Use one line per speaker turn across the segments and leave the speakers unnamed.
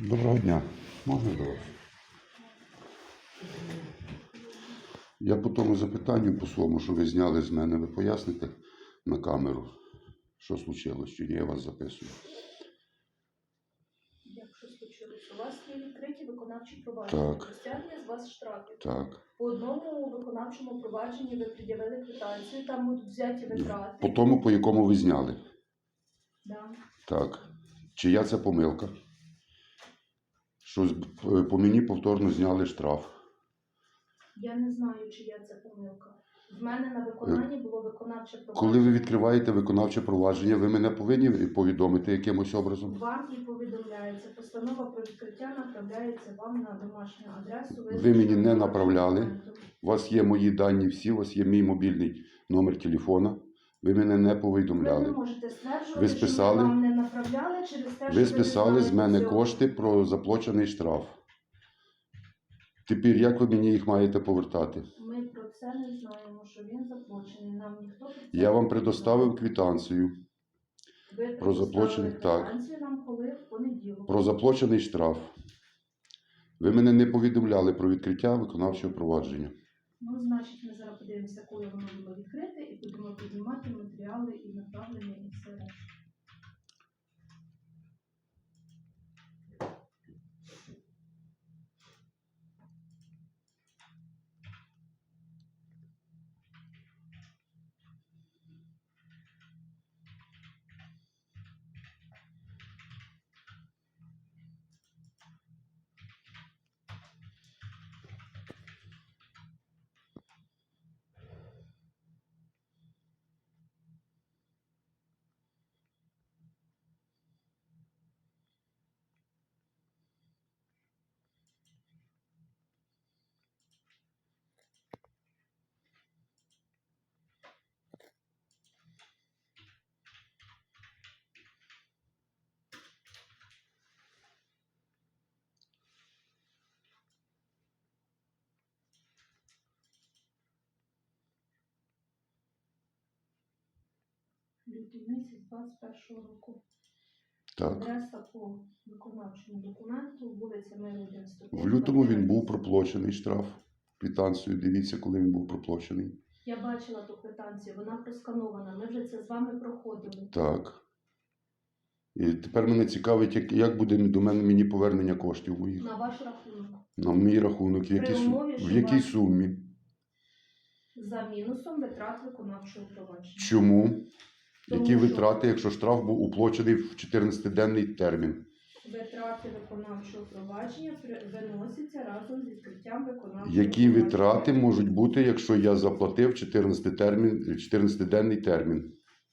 Доброго дня. Можна до вас? Я по тому запитанню, по своєму, що ви зняли з мене, ви поясните на камеру, що случилось, чи я вас записую?
Якщо случилось, у вас є відкриті виконавчі провадження.
Так.
Стягнення з вас штрафів.
Так.
По одному виконавчому провадженні ви пред'явили квитанцію, там будуть взяті витрати.
По тому, по якому ви зняли?
Да.
Так. Чия це помилка? Що по мені повторно зняли штраф.
Я не знаю, чия це помилка. В мене на виконанні було виконавче провадження.
Коли ви відкриваєте виконавче провадження, ви мене повинні повідомити якимось образом?
Вам і повідомляється. Постанова про відкриття направляється вам на домашню адресу.
Ви мені не направляли. У вас є мої дані всі, у вас є мій мобільний номер телефона. Ви мене не повідомляли.
Ви не можете стверджувати,
Ви списали,
що ми вам не направляли через те, що
ви списали з мене
цього.
кошти про заплачений штраф. Тепер як ви мені їх маєте повертати?
Ми про це не знаємо, що він заплачений. Нам ніхто про це
Я вам
не
предоставив
сказав.
квитанцію
Ви
про заплачений, так,
квитанцію нам коли в понеділок.
про заплачений штраф. Ви мене не повідомляли про відкриття виконавчого провадження.
Ну, значить, ми зараз подивимося, коли воно було відкрите, і будемо піднімати матеріали і направлення, і все решта. Лютий місяць 21 року.
Так.
Адреса по виконавчому документу, вулиця Миру 105.
В лютому він був проплачений штраф. Квитанцію дивіться, коли він був проплачений.
Я бачила ту квитанцію, вона просканована. Ми вже це з вами проходили.
Так. І тепер мене цікавить, як буде до мене мені повернення коштів моїх.
На ваш рахунок.
На мій рахунок,
При умові,
в
що
якій
ваш-
сумі?
За мінусом витрат виконавчого провадження.
Чому?
Тому
Які
що-
витрати, якщо штраф був уплачений в 14-денний термін?
Витрати виконавчого провадження виносяться разом з відкриттям виконавчого
Які
провадження.
витрати можуть бути, якщо я заплатив 14-денний термін?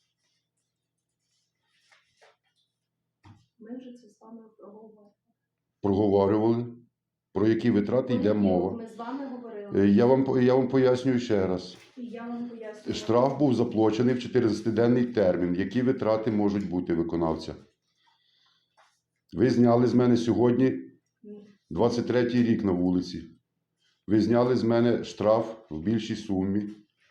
Ми вже це з вами проговорили.
Проговорювали? Про які витрати йде мова?
Ми з вами говорили.
Я вам пояснюю ще раз.
І я вам пояснюю.
Штраф був заплачений в 14-денний термін. Які витрати можуть бути виконавця? Ви зняли з мене сьогодні 23-й рік на вулиці. Ви зняли з мене штраф в більшій сумі.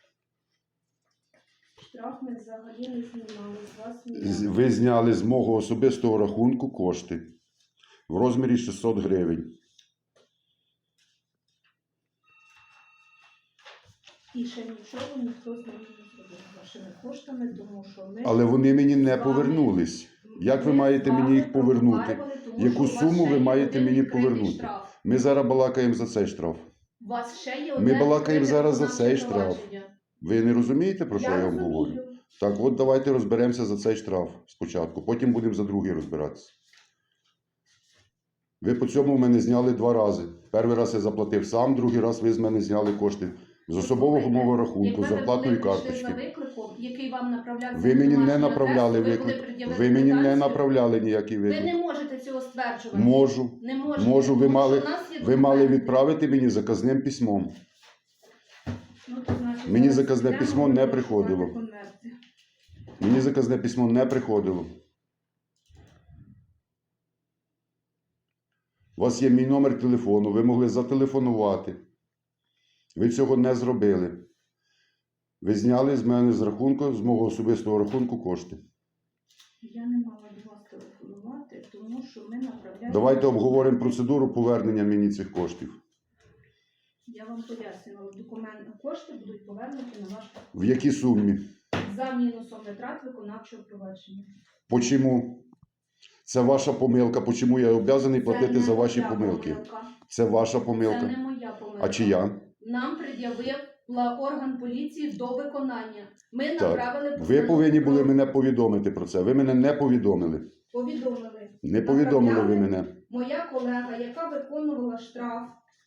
Штраф ми взагалі не знімали з вас. ніяк.
Ви зняли з мого особистого рахунку кошти в розмірі 600 гривень.
І ще нічого ніхто з нами не зробив вашими коштами, тому що ми...
Але вони мені не
з вами-
повернулись. Як ви
ми
маєте
з вами
мені їх повернути?
проговорювали, тому
Яку
що у вас
суму
ще
ви
є
маєте
один
мені
відкритий
повернути?
штраф.
Ми зараз балакаємо за цей штраф.
У вас ще є
Ми
одне
балакаємо
відкрите
зараз за
виконавче
цей штраф.
провадження.
Ви не розумієте, про що я вам
розумію.
говорю? Так от давайте розберемося за цей штраф спочатку, потім будемо за другий розбиратися. Ви по цьому в мене зняли 2 рази. Перший раз я заплатив сам, другий раз ви з мене зняли кошти з особового мого рахунку, з зарплатної
Якби ви були прийшли за
карточки.
викликом, який вам направлявся
Ви
на
мені не
домашню
направляли
адресу,
виклик.
пред'явили
Ви мені не
квитанцію.
направляли ніякий
Ви
виклик.
не можете цього стверджувати.
Можу.
Не можете.
Можу, ви
тому
мали,
що в нас є
ви мали
документи.
відправити мені заказним письмом.
Ну, то, значить,
Мені
зараз
заказне
підемо,
письмо не
будемо
приходило.
шукати конверти.
Мені заказне письмо не приходило. У вас є мій номер телефону, ви могли зателефонувати. Ви цього не зробили. Ви зняли з мене з рахунку, з мого особистого рахунку кошти.
Я не мала до вас телефонувати, тому що ми направляємо...
Давайте обговоримо процедуру повернення мені цих коштів.
Я вам пояснювала, кошти будуть повернуті на ваш
В якій сумі?
за мінусом витрат виконавчого провадження.
Почому? Це ваша помилка. Почому я обов'язаний платити
не
за ваші
моя
помилки?
помилка.
Це ваша
Це
помилка.
не моя помилка.
А чия?
Нам пред'явив орган поліції до виконання. Ми
Так.
направили
Ви
постанову
повинні були
про-
мене повідомити про це. Ви мене не повідомили.
повідомили.
Не повідомили ви
Направляли.
мене.
Моя колега, яка виконувала штраф,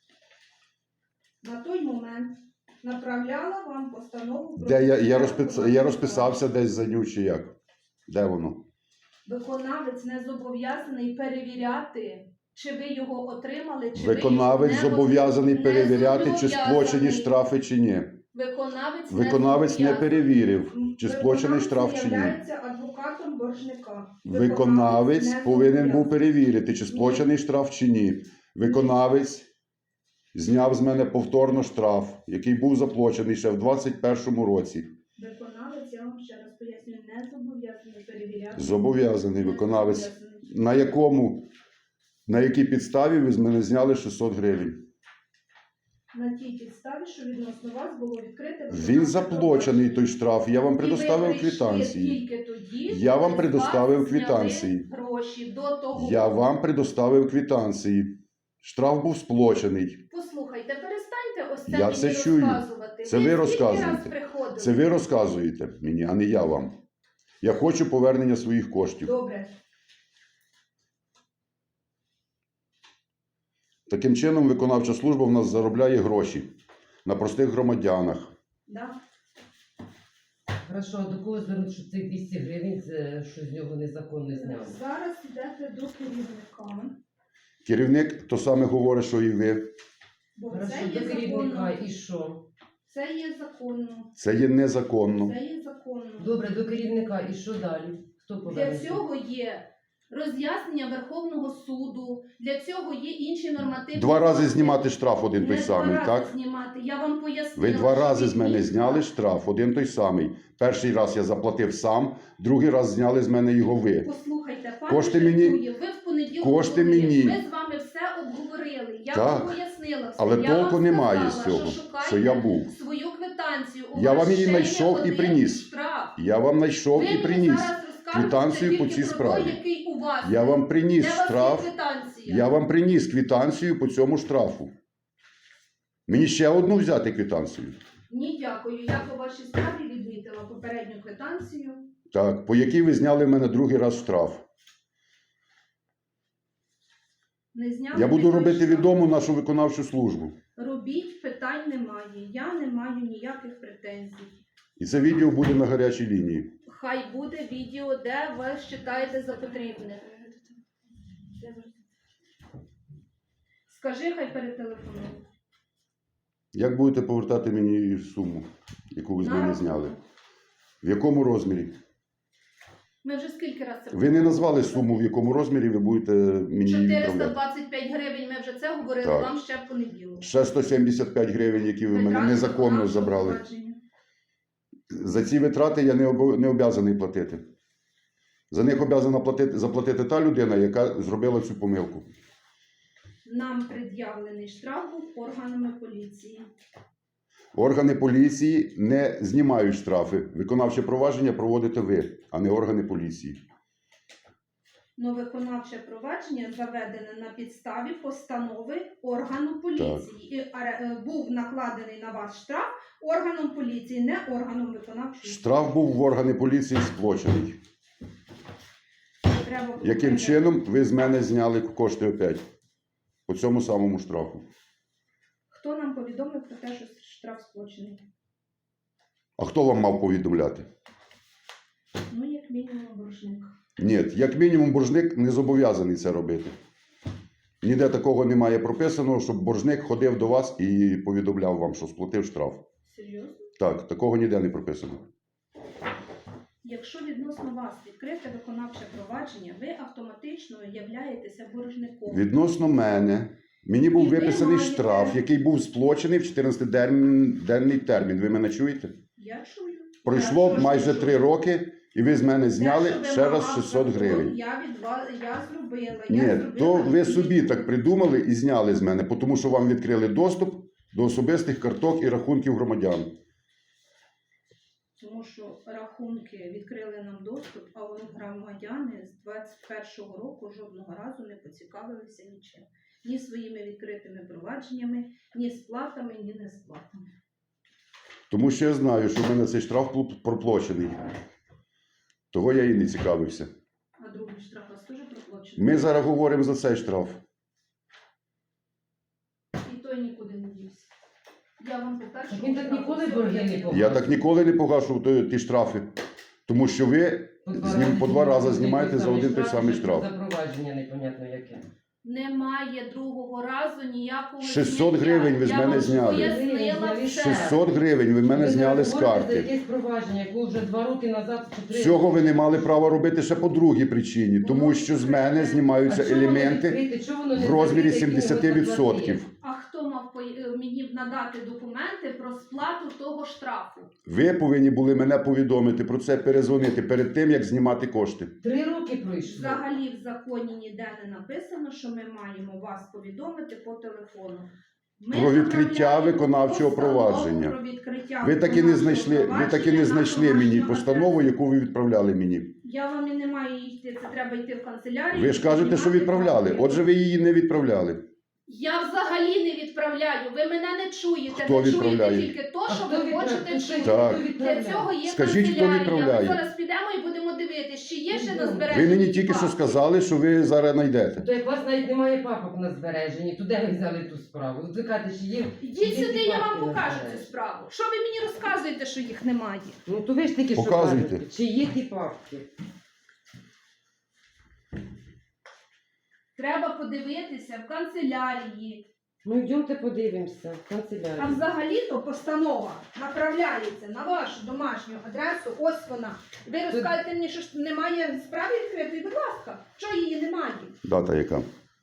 на той момент направляла вам постанову про...
Де я
виконання
розписався десь за ню чи як? Де воно?
Виконавець не зобов'язаний перевіряти, чи ви його отримали, чи
Виконавець
ви його
зобов'язаний
не
перевіряти, чи
зобов'язаний.
сплачені штрафи, чи ні.
Виконавець
Не
зобов'язаний.
перевірив, чи сплачений штраф, чи ні.
Виконавець є адвокатом боржника.
Виконавець
не
повинен був
зобов'язаний.
перевірити, чи сплачений штраф, чи ні. Виконавець зняв з мене повторно штраф, який був заплачений ще в 2021 році.
Виконавець, я вам ще раз пояснюю, не зобов'язаний перевіряти.
Зобов'язаний
Не
виконавець.
зобов'язаний.
На якій підставі ви з мене зняли 600 гривень?
На тій підставі, що відносно вас було відкрите...
Він заплачений той штраф, я вам предоставив квитанції.
Тільки тоді,
Я вам
коли з
предоставив
вас зняли
квитанції.
Гроші до того.
Я вам предоставив квитанції. Штраф був сплачений.
Послухайте, перестаньте ось це
Я
мені
це чую.
розказувати.
Це ви
скільки
розказуєте.
раз приходили?
Це ви розказуєте мені, а не я вам. Я хочу повернення своїх коштів.
Добре.
Таким чином, виконавча служба в нас заробляє гроші на простих громадянах.
Да?
Хорошо, а до кого звернути, що цих 200 гривень, що з нього незаконно зняли?
Зараз йдете до керівника.
Керівник то саме говорить, що і ви.
Бо
Хорошо,
це
до
є
керівника
законно.
і що?
Це є законно.
Це є незаконно.
Це є законно.
Добре, до керівника і що далі? Хто
Для
поверне?
цього є роз'яснення Верховного суду, для цього є інші нормативні...
2 рази
акти.
знімати штраф один той
Не
самий,
2
так?
рази знімати. Я вам пояснила.
Ви 2
що
рази з мене
відмітка-
зняли штраф, один той самий. Перший раз я заплатив сам, другий раз зняли з мене його ви.
Послухайте, пане
Кошти мені-
Жартує, ви в понеділок
кошти
були.
мені.
Ми з вами все обговорили. Я
Так.
вам пояснила все.
Але
Я
толку
вам
немає з
сказала,
цього,
шукайте
що я був.
свою квитанцію. У
Я
вас
вам її
ще є
знайшов і
один
приніс.
штраф.
Я вам знайшов
Ви
і
мені
приніс.
зараз розкажете
квитанцію
тільки
по цій
про
справі.
той, який у вас.
Я вам приніс
Де у вас є
штраф.
квитанція?
Я вам приніс квитанцію по цьому штрафу. Мені ще одну взяти квитанцію.
Ні, дякую. Я по вашій справі відмітила попередню квитанцію.
Так, по якій ви зняли в мене другий раз штраф.
Не зняли
Я буду
ніякий
робити
штраф.
відому нашу виконавчу службу.
Робіть, питань немає. Я не маю ніяких претензій.
І це відео буде на гарячій лінії.
Хай буде відео, де ви вважаєте за потрібне. Скажи, хай перетелефонує.
Як будете повертати мені суму, яку ви з мене зняли? В якому розмірі?
Ми вже скільки разів це
Ви не назвали суму, в якому розмірі ви будете мені її відправляти.
425 гривень, ми вже це говорили
Так.
вам ще в понеділок.
Ще 175 гривень, які ви в мене
Витрати
незаконно
виконавчого
забрали.
провадження.
За ці витрати я не обов'язаний платити. За них обов'язана заплатити та людина, яка зробила цю помилку.
Нам пред'явлений штраф був органами поліції.
Органи поліції не знімають штрафи. Виконавче провадження проводите ви, а не органи поліції.
Но виконавче провадження заведене на підставі постанови органу поліції. І був накладений на вас штраф органом поліції, не органом виконавчої.
Штраф був в органи поліції сплачений.
Треба було
Яким
перевірити.
чином ви з мене зняли кошти опять? По цьому самому штрафу.
Хто нам повідомив про те, що штраф сплачений?
А хто вам мав повідомляти?
Ну, як мінімум, боржник.
Ні, як мінімум боржник не зобов'язаний це робити. Ніде такого немає прописано, щоб боржник ходив до вас і повідомляв вам, що сплатив штраф.
Серйозно?
Так, такого ніде не прописано.
Якщо відносно вас відкрите виконавче провадження, ви автоматично являєтеся боржником.
Відносно мене, мені був
І ви
виписаний
маєте-
штраф, який був сплачений в 14-денний термін. Ви мене чуєте?
Я чую.
Пройшло
Я
майже
чую.
3 роки, І ви з мене зняли
Те, що
ще раз
вимагав
600
закон,
гривень.
Я від вас зробила.
Ні, то ви собі так придумали і зняли з мене, тому що вам відкрили доступ до особистих карток і рахунків громадян.
Тому що рахунки відкрили нам доступ, а вони громадяни з 21-го року жодного разу не поцікавилися нічим. Ні своїми відкритими провадженнями, ні сплатами, ні несплатами.
Тому що я знаю, що в мене цей штраф проплачений. Того я і не цікавився.
А другий штраф у вас теж проплачений?
Ми зараз говоримо за цей штраф.
І той нікуди не дівся. Я вам по першому
Так він так
штрафу
ніколи
все
борги не
об'яснила.
погасив.
Я так ніколи не погашу ті штрафи. Тому що ви по два рази знімаєте за один той самий штраф.
За провадження непонятно яке.
Немає другого разу ніякого
600
зняття.
гривень ви з
Я
мене
вам
зняли.
пояснила все.
600 гривень ви в мене
Ви
зняли з
говорите за
карти.
якесь провадження, яке вже 2 роки назад чи 3
Цього ви не мали права робити ще по другій причині. Тому що з мене знімаються елементи в розмірі 70%.
А хто мав мені надати документи про сплату того штрафу?
Ви повинні були мене повідомити про це, перезвонити перед тим, як знімати кошти.
3 роки пройшло.
Взагалі в законі ніде не написано, що ми маємо вас повідомити по телефону. Ми
Про відкриття
направляємо
виконавчого
постанову
провадження.
про відкриття
Ви так і не
виконавчого
знайшли,
провадження на
мені
домашню
постанову,
адресу.
яку ви відправляли мені.
Я вам і не маю йти, це треба йти в канцелярію.
Ви ж кажете, що відправляли.
Отже,
Отже, ви її не відправляли.
я взагалі не відправляю. Ви мене не чуєте.
Хто
ви
відправляє?
чуєте тільки то, що ви хочете чути.
Так.
Для цього є
Скажіть, хто
канцелярія.
відправляє?
Ми зараз підемо і будемо дивитися, чи є ще на
Ви
збереженні.
мені тільки що
папки.
сказали, що ви зараз знайдете.
То як у вас навіть немає папок на збереженні, то де ви взяли ту справу? От ви кажете, що є...
Ідіть
є
сюди,
ті
я
папки
вам
на
покажу цю
збереженні.
справу. Що ви мені розказуєте, що їх немає?
Ну то ви ж таки що
Показуйте.
кажете, чи є ті папки?
Треба подивитися в канцелярії.
Ну йдемте подивимося в
А
канцелярію.
взагалі-то постанова направляється на вашу домашню адресу. Ось вона. Ви розкажете мені, що ж немає справи відкритої? Будь ласка, що її немає?
Дата яка?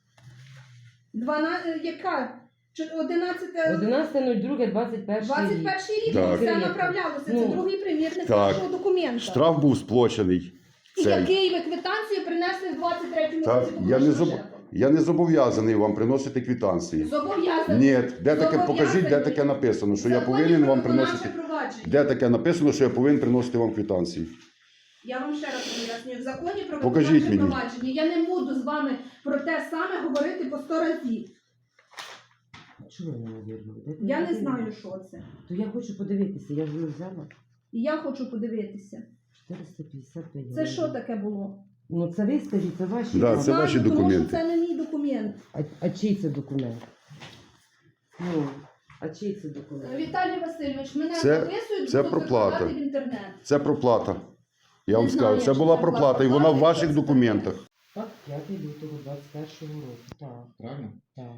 12, яка? 11...
11.02.21
21 рік
Так.
це направлялося. Це
Ну,
другий примірник
так.
вашого документа.
Штраф був сплачений.
І
Цей.
який ви квитанцію принесли в 23-му
Так,
році?
я не
попрошу
заб-
шефа.
Я не зобов'язаний вам приносити квитанції.
Зобов'язаний.
Ні, де таке, покажіть, де
Зобов'язаний.
таке написано, що я
Законі
повинен
про
вам
виконавче
приносити.
провадження.
Де таке написано, що я повинен приносити вам квитанції?
Я вам ще раз пояснюю. В законі про
Покажіть
виконавче
мені.
провадження я не буду з вами про те саме говорити по 100 разів.
Чого ви не вірили?
Я не знаю, що це.
То я хочу подивитися, я ж не взяла.
І я хочу подивитися.
455
Це
гривень.
що таке було?
Ну це ви скажіть, це ваші.
Да,
Я
це
знаю,
ваші
тому
документи.
що це не мій документ.
А чий це документ? Ну, а чий це документ?
Віталій Васильович, мене
Це-
записують,
це
будуть
проплата.
викладати в інтернет.
Це проплата. Я вам
Не знаю,
скажу, це
чи
була
це була
проплата, і вона в
проплата,
ваших
чи це
документах.
Так, 5 лютого 21 року. Так,
Правильно?
так.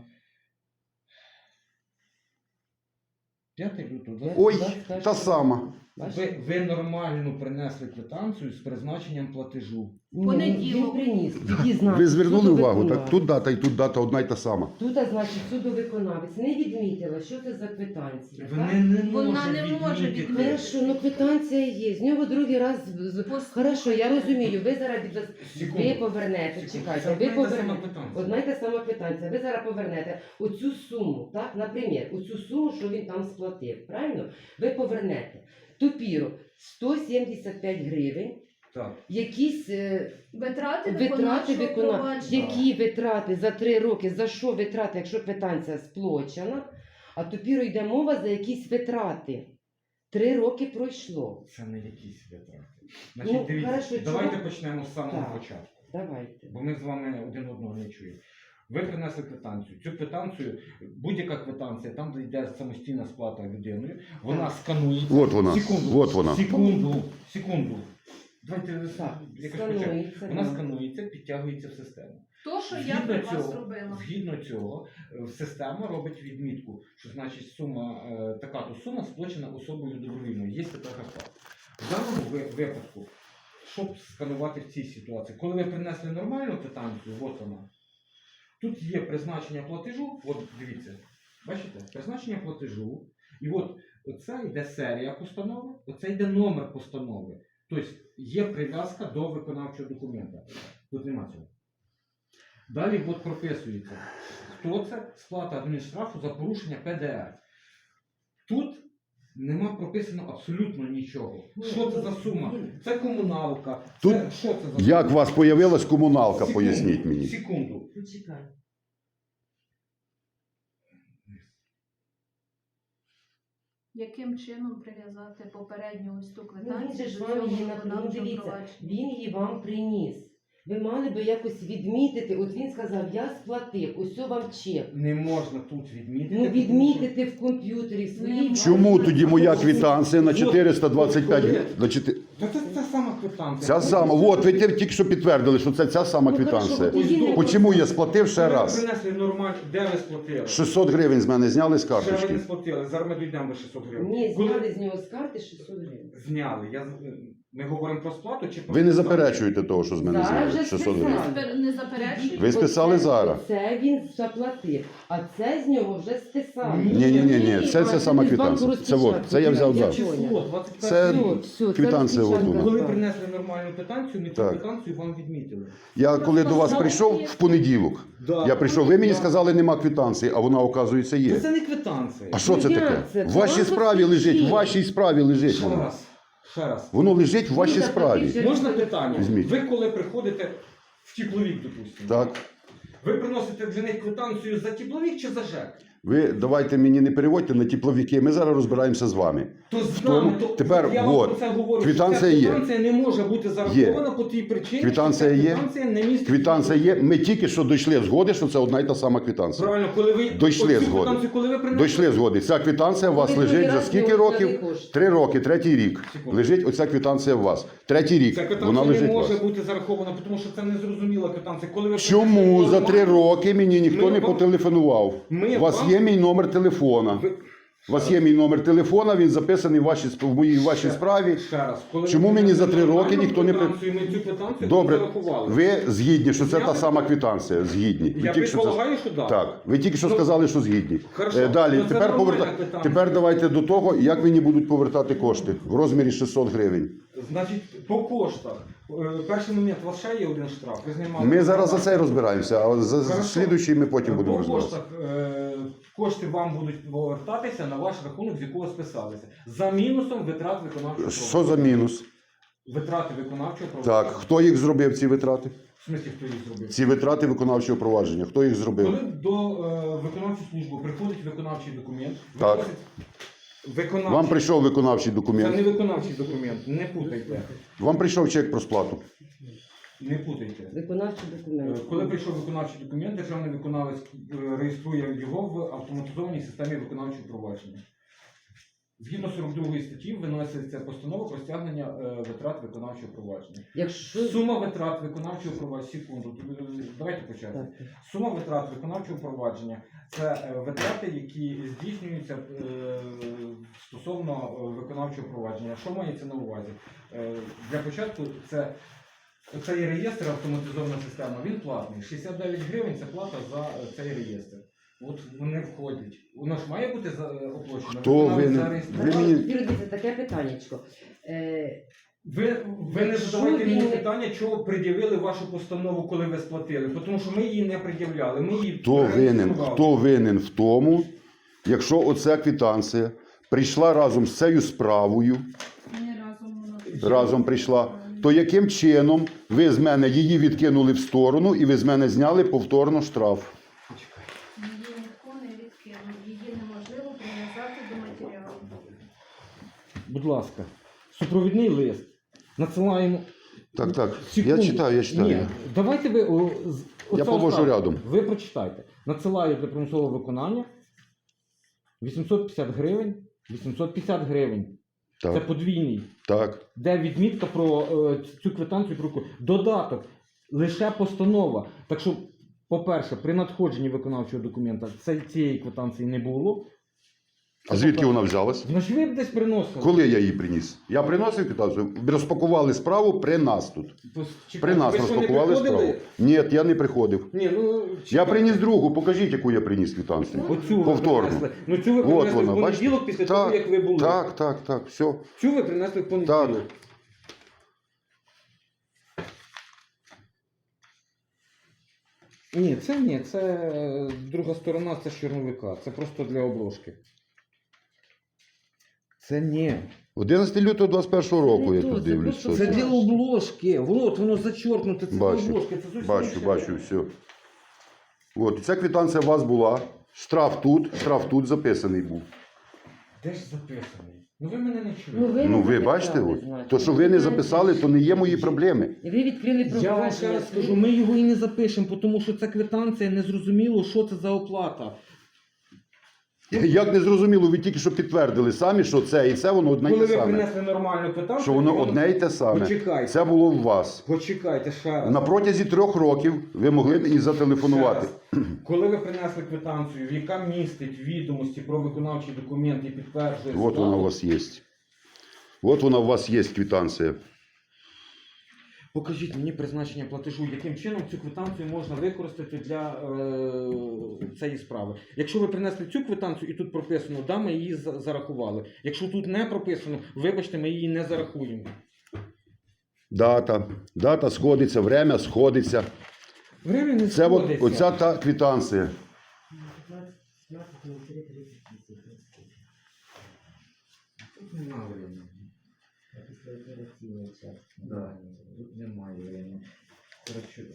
5 лютого.
Ой,
21
та сама.
Ви нормально принесли квитанцію з призначенням платежу.
Ні,
Понеділок.
Він приніс. Тоді знак.
Ви звернули увагу,
судовиконавець.
так? Тут дата і тут дата одна й та сама.
Тут, значить, судовиконавець не відмітила, що це за квитанція.
Вона
так?
не
Вона
може
не може
відмітити.
відмітити.
Хорошо, ну квитанція є. З нього другий раз. Хорошо, я розумію. Ви зараз
Секунду.
ви повернете.
Секунду.
Чекайте,
Це
ви
одна й та сама
повернете.
квитанція.
Одна й та сама квитанція. Ви зараз повернете оцю суму, так, наприклад, оцю суму, що він там сплатив, правильно? Ви повернете. Тупіру 175 гривень,
Так.
якісь
Витрати
витрати
виконавчого
виконання.
провадження.
Які витрати за 3 роки, за що витрати, якщо квитанція сплачена, а тупіру йде мова за якісь витрати. 3 роки пройшло.
Це не якісь витрати.
Ну,
Значить, дивіться,
хорошо,
давайте
чого?
почнемо з самого
Так.
початку.
Давайте.
Бо ми з вами один одного не чуємо. Ви принесли квитанцію. Цю квитанцію, будь-яка квитанція, там, де йде самостійна сплата людиною, вона сканується.
От вона.
Секунду.
От вона.
Секунду. Давайте
Так,
якось почнемо.
сканується.
Вона
да.
сканується, підтягується в систему.
То, що я при вас робила.
Згідно цього, система робить відмітку, що значить сума, така-то сума сплачена особою добровільно. Є така справа. В даному випадку, щоб сканувати в цій ситуації, коли ви принесли нормальну квитанцію, от вона, тут є призначення платежу, от дивіться, бачите, призначення платежу, і от оце йде серія постанови, оце йде номер постанови. Тобто є прив'язка до виконавчого документа. Тут нема цього. Далі от прописується, хто це, сплата адмінштрафу за порушення ПДР. Тут нема прописано абсолютно нічого. Що це за сума? Це комуналка.
Тут
Це, що це за
Як у вас появилась комуналка,
Секунду,
поясніть мені.
Секунду.
Почекай.
Яким чином прив'язати попередню ось ту
Ну, він
квитанцію
же ж
до
вам
цього
її
виконавчого
дивіться,
провадження?
він її вам приніс. Ви мали би якось відмітити, от він сказав, я сплатив, ось вам чек.
Не можна тут відмітити.
Ну
тому що-
відмітити в комп'ютері свої.
Чому тоді моя квитанція на 425 гривень?
Це сама квитанція.
Ця сама. От, ви тільки що підтвердили, що це ця сама
Ну, хорошо,
квитанція.
тоді не-
Почому я сплатив ще
Ви
раз?
принесли нормально, де ви сплатили?
600 гривень з мене зняли з
Ще ви
карточки.
не сплатили, зараз ми дійдемо до 600 гривень.
Ні,
Коли-
зняли з нього з карти 600 гривень.
Зняли. Ми говоримо про сплату чи про...
Ви не заперечуєте того, що з мене
Зараз
зняли
вже
600 гривень.
списали.
Не заперечуєте?
Ви списали
Оце-
зараз.
Це він заплатив, а це з нього вже списали.
Ні, це
А,
сама
десь
квитанція.
банку
Це от,
розпечатку.
це я взяв
Я
зараз.
Число,
поняла.
21
Це
рік.
Все, це
квитанція
розпечатка.
отут.
Коли
Так.
принесли нормальну квитанцію, ми цю
Так.
квитанцію вам відмітили.
Я коли до вас прийшов в понеділок, я прийшов, ви мені сказали, нема квитанції, а вона, оказується,
Та
є.
це не квитанція.
А що це
Ну,
таке?
як це?
В вашій
Це
справі лежить, в
розпишіть.
вашій справі лежить
Ще
воно.
раз. Ще раз.
Воно лежить в вашій
Ну,
справі.
заплатіть.
Можна питання?
Візьміть.
Ви коли приходите в тепловік, допустимо,
Так.
ви приносите для них квитанцію за тепловік чи за ЖЕК?
Ви давайте мені не переводьте на тепловіки, ми зараз розбираємося з вами.
То з
тому-
нами, то
тепер
я вам
от,
про це говорю.
квитанція
що ця
є.
Квитанція не може бути зарахована по тій причині,
Квитанція
що ця
є.
квитанція не містить.
Квитанція є. Ми тільки що дійшли згоди, що це одна і та сама квитанція.
Правильно, коли ви
Дійшли
оцю
згоди.
квитанцію, коли ви принесли,
Дійшли згоди. Ця квитанція у вас
Ви
лежить
другий
за
раз
скільки
не
років?
взяли кошти.
3 роки, третій рік.
Секунду.
Лежить оця квитанція у вас. Третій рік.
ця
Вона
квитанція
лежить
не
у вас.
може бути зарахована, тому що це незрозуміла квитанція. Коли ви
Чому
принесли
за 3
нормальну-
роки мені ніхто
Ми
не
вам-
потелефонував?
Ми
У вас
вам-
є мій номер телефона.
Ви-
У вас є мій номер телефона, він записаний в моїй вашій
Ще-
справі.
Ще раз. Коли
Чому
ви
мені за 3
принесли
роки ніхто не
нормальну квитанцію, ми цю квитанцію
Добре,
зарахували.
ви згідні, що це
Я
та сама квитанція? Згідні. Ви
Я
тільки що це-
предполагаю, що да.
Так, ви тільки що
Ну,
сказали, що згідні.
Хорошо.
Далі,
Ну, це
тепер,
нормальна квитанція.
тепер давайте до того, як мені будуть повертати кошти в розмірі 600 гривень.
Значить, по коштах. Перший момент, у вас ще є один штраф. Ви знімали.
Ми зараз за це розбираємося, а за
Хорошо.
слідуючий ми потім будемо
По
розбиратися.
коштах кошти вам будуть повертатися на ваш рахунок, з якого списалися. За мінусом витрат виконавчого
Що за мінус?
Витрати виконавчого
Так,
провадження.
хто їх зробив, ці витрати?
В смислі, хто їх зробив?
Ці витрати виконавчого провадження. Хто їх зробив?
Коли до виконавчої служби приходить виконавчий документ,
Так.
виносить виконавчий...
Вам прийшов виконавчий
Це
документ.
не виконавчий документ, не путайте.
Вам прийшов чек про сплату.
Не путайте.
Виконавчий документ.
Коли прийшов виконавчий документ, державний виконавець реєструє його в автоматизованій системі виконавчого провадження. Згідно 42 статті виноситься постанова про стягнення витрат виконавчого провадження.
Якщо...
Сума витрат виконавчого провадження, секунду, давайте почати.
Так.
Сума витрат виконавчого провадження це витрати, які здійснюються стосовно виконавчого провадження. Що мається на увазі? Для початку цей реєстр, автоматизована система, він платний. 69 гривень це плата за цей реєстр. От вони входять. Воно ж має бути оплачено.
Хто
Виконавець
винен?
зареєстрував.
Ви мені-
Дивіться, таке питаннячко.
Ви не задавайте мені питання, чого пред'явили вашу постанову, коли ви сплатили. Тому що ми її не пред'являли. Ми її
Хто винен в тому, якщо оця квитанція прийшла разом з цією справою,
Ні, разом
разом прийшла, то яким чином ви з мене її відкинули в сторону і ви з мене зняли повторно штраф?
Її ніхто не відкинув. Її неможливо прив'язати до матеріалу.
Будь ласка, супровідний лист. Надсилаємо.
Так.
Секунду.
Я читаю.
Ні, давайте ви...
Я положу рядом.
Ви прочитайте. Надсилаю для примусового виконання 850 гривень. 850 гривень. Це
Так,
подвійний.
так.
Де відмітка про цю квитанцію про додаток, лише постанова. Так що, по-перше, при надходженні виконавчого документа цієї квитанції не було.
А звідки вона взялась?
Значить, ви б десь приносили.
Коли я її приніс? Я приносив квитанцію, розпакували справу при нас тут. При нас
Ви що, не
розпакували
приходили?
справу. Ні, я не приходив.
Ні, ну,
Я приніс другу, покажіть, яку я приніс квитанцію.
Оцю ви
Повторно.
принесли. Ну цю ви
От
принесли
вона,
в понеділок після того, як ви були.
Так, все.
Цю ви принесли в понеділок.
Так.
Ні, це друга сторона, це з чорновика. Це просто для обложки. Це ні.
11 лютого 21 року я
Це
тут
це
дивлюсь.
просто
Що
Це
це.
для обложки. Вот, воно зачеркнуте, це
Бачу,
для обложки. Це зовсім
Бачу,
інше.
все. От, ця квитанція у вас була. Штраф тут записаний був.
Де ж записаний? Ну ви мене не чуєте.
Ну ви бачите, от, то, що ви не записали, то не є мої проблеми.
І ви відкрили
Я
провадження.
вам ще раз скажу, ми його і не запишемо, тому що ця квитанція не зрозуміло, що це за оплата.
Як не зрозуміло, ви тільки що підтвердили самі, що це і це воно одне й
Коли
те
ви
саме.
принесли нормальну квитанцію,
Що воно
то
одне й те саме.
Почекайте.
Це було у вас.
Почекайте ще раз.
На протязі 3 років ви могли мені зателефонувати.
Ще раз. Коли ви принесли квитанцію, яка містить відомості про виконавчий документ і підтверджує
От вона у вас є. От вона у вас є квитанція.
Покажіть мені призначення платежу, яким чином цю квитанцію можна використати для цієї справи. Якщо ви принесли цю квитанцію і тут прописано, да, ми її зарахували. Якщо тут не прописано, вибачте, ми її не зарахуємо.
Дата сходиться, время сходиться.
Время не
Це от,
сходиться.
оця та квитанція.
Тут немає времени. Да, тут немає времени. Коротше,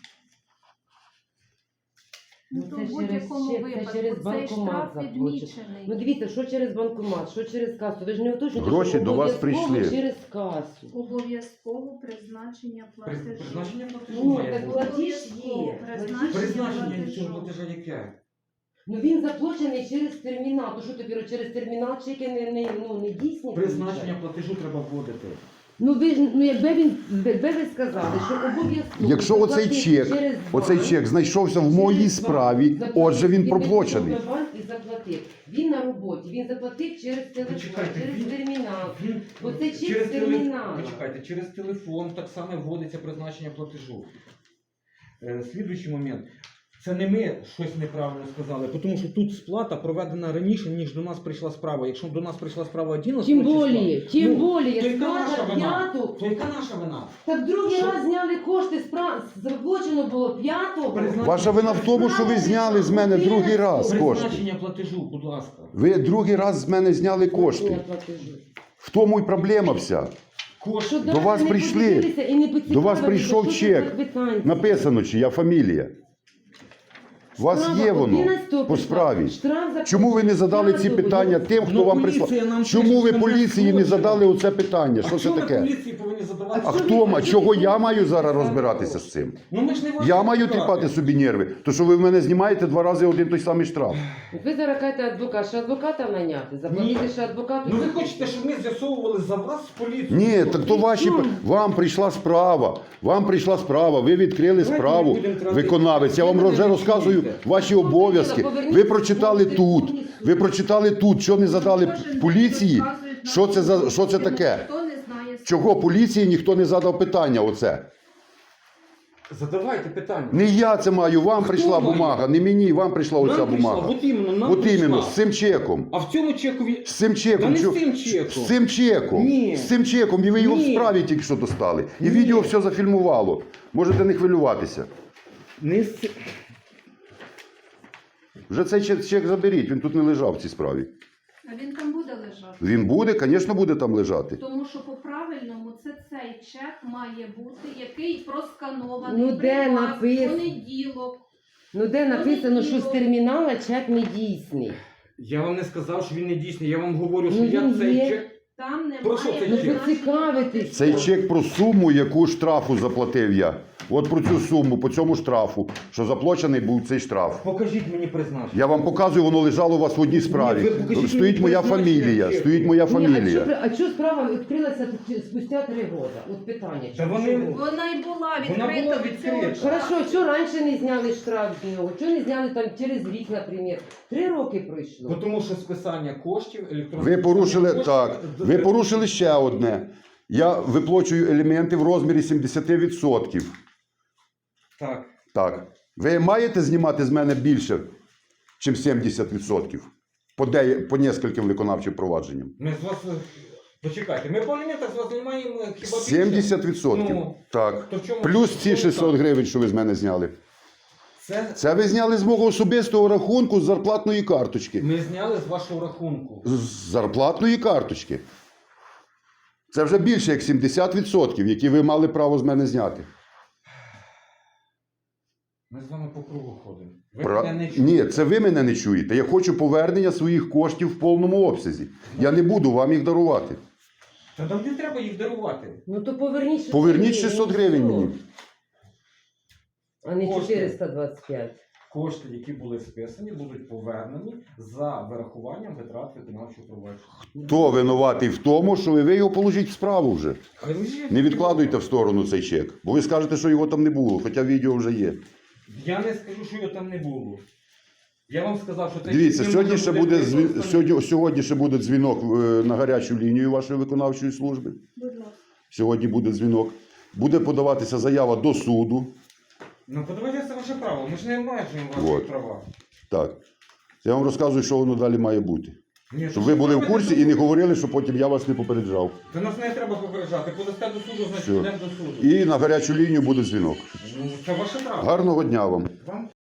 Ну, то в будь-якому випадку цей штраф відмічений.
Ну дивіться, що через банкомат, що через касу. Ви ж не уточнюєте,
Гроші
що
до вас
обов'язково
прийшли.
через касу.
Обов'язково призначення платежу.
призначення платежу
Ну,
має
так
бути.
платіж є.
Призначення
платежу.
цього платежа яке?
Ну він заплачений через термінал. То що тобі через термінал чеки не дійсні?
Призначення платежу треба вводити.
Ну ви ж якби ви сказали, що обов'язково.
Якщо оцей
заплатити
чек,
через
оцей
банк,
чек знайшовся в моїй
через
справі,
банк,
отже він
заплатив,
проплачений.
пішов на банк і заплатив. Він на роботі, він заплатив через телефон,
Почекайте,
через
він-
термінал.
Він
Оце чек
через
з терміналу.
Почекайте, через телефон так само вводиться призначення платежу. Слідуючий момент. Це не ми щось неправильно сказали, тому що тут сплата проведена раніше, ніж до нас прийшла справа. Якщо до нас прийшла справа 11
Тим
числа,
более,
то яка наша
сплата
вина?
п'яту.
То яка наша вина?
Так другий
Що?
раз зняли кошти, заплачено було п'ятого.
Призначення-
Ваша вина в тому, що ви зняли з мене другий раз кошти.
Призначення платежу, будь ласка.
Ви другий раз з мене зняли кошти. В тому і проблема вся.
Кошти.
До вас прийшли. До вас прийшов чек. Написано, чия фамілія. У вас є воно по справі. Чому ви не задали ці питання тим, хто
Ну,
вам
поліція
прислав?
нам
Чому ви
пише, що
поліції не
ми
задали оце питання? Що
А
це
чого ми
таке?
поліції повинні задавати?
А хто? Чого я маю зараз розбиратися з цим?
Ну ми ж не ваші
Я маю
адвокати.
тріпати собі нерви. То що ви в мене знімаєте 2 рази один той самий штраф.
Ви зараз кажете адвокат, що адвоката наняти, заплатити ще адвокату.
Ну ви хочете, щоб ми з'ясовували за вас з поліцією?
Ні, так то ваші вам прийшла справа. Вам прийшла справа. Ви відкрили
Давайте
справу.
не будемо тратити.
Виконавець. Я вам
Ви
вже
мене
розказую
відчуєте.
ваші обов'язки. Ви прочитали тут. Ви прочитали тут. Що не задали поліції? Що це таке?
Хто не знає.
Чого поліції ніхто не задав питання? Оце.
Задавайте питання.
Не я це маю. Вам прийшла
має?
бумага. Не мені. Вам прийшла
Нам
оця
прийшла,
бумага.
от іменно, нам
От іменно
прийшла.
з цим чеком.
А в цьому чекові...
З цим
Та
чеком.
не з
Чо-
цим чеком.
З цим чеком.
Ні.
З цим чеком. І ви його в
Ні.
справі тільки що достали. І
Ні.
відео все зафільмувало. Можете не хвилюватися.
Не з...
Вже цей чек заберіть, він тут не лежав в цій справі.
А він там буде лежати.
Він буде, звісно, буде там лежати.
Тому що по-правильному цей чек має бути, який просканований
Ну,
при
де
вас
написано?
в понеділок.
Ну де написано, що з термінала чек не дійсний.
Я вам не сказав, що він не дійсний. Я вам говорю, що
Ну,
я
він
цей
є.
чек...
Там немає.
Про що цей
Ну
чек?
поцікавитись.
Цей чек про суму, яку штрафу заплатив я. От про цю суму, по цьому штрафу, що заплачений був цей штраф.
Покажіть мені призначення.
Я вам показую, воно лежало у вас в одній справі.
Ні, ви покажіть
Стоїть
мені
моя
призначення
фамілія.
чеку.
Стоїть моя
Ні,
фамілія.
а чого справа відкрилася спустя 3 роки? От питання.
Та
чому?
вони-
Вона й була
Вона
відкрита.
була
до цього
відкрита.
часу.
Хорошо, що раніше не зняли штраф з нього? Чого не зняли там через рік, наприклад? 3 роки пройшло.
Тому що списання коштів, електронне
Ви порушили
списання
так.
коштів-
Ви порушили ще одне. Я виплачую елементи в розмірі 70%.
Так.
Так. Ви маєте знімати з мене більше, ніж 70%? По нескольким виконавчим провадженням.
Ми з вас... Почекайте, ми по аліментах з вас знімаємо хіба більше?
70%.
Ну,
Так.
то в чому-
Плюс ці 600 гривень, що ви з мене зняли. Це ви зняли з мого особистого рахунку з зарплатної карточки.
Ми зняли з вашого рахунку.
З зарплатної карточки. Це вже більше як 70%, які ви мали право з мене зняти.
Ми з вами по кругу ходимо. Ви
Пра-
мене не чуєте.
Ні, це ви мене не чуєте. Я хочу повернення своїх коштів в повному обсязі. Я не буду вам їх дарувати.
Та нам не треба їх дарувати.
Ну то поверніть 600
Поверніть 600 гривень
все.
мені.
А не
Кошти.
425.
Кошти, які були списані, будуть повернені за вирахуванням витрат виконавчого провадження.
Хто винуватий в тому, що ви його положіть в справу вже.
Хай лежить.
Не відкладуйте в сторону цей чек. Бо ви скажете, що його там не було, хоча відео вже є.
Я не скажу, що його там не було. Я вам сказав, що це
Дивіться,
не
сьогодні
може
ще
бути
буде
використано.
сьогодні ще буде дзвінок на гарячу лінію вашої виконавчої служби.
Будь ласка.
Сьогодні буде дзвінок. Буде подаватися заява до суду.
Ну, подавайте, це ваше право. Ми ж не обмежуємо ваші
Вот.
права.
Так. Я вам розказую, що воно далі має бути.
Ні,
Щоб ви були в курсі і не говорили, що потім я вас не попереджав.
Та нас не треба попереджати. Подасте до суду, значить
Все.
йдемо до суду.
І на гарячу лінію буде дзвінок.
Ну, це ваше право.
Гарного дня вам.
Вам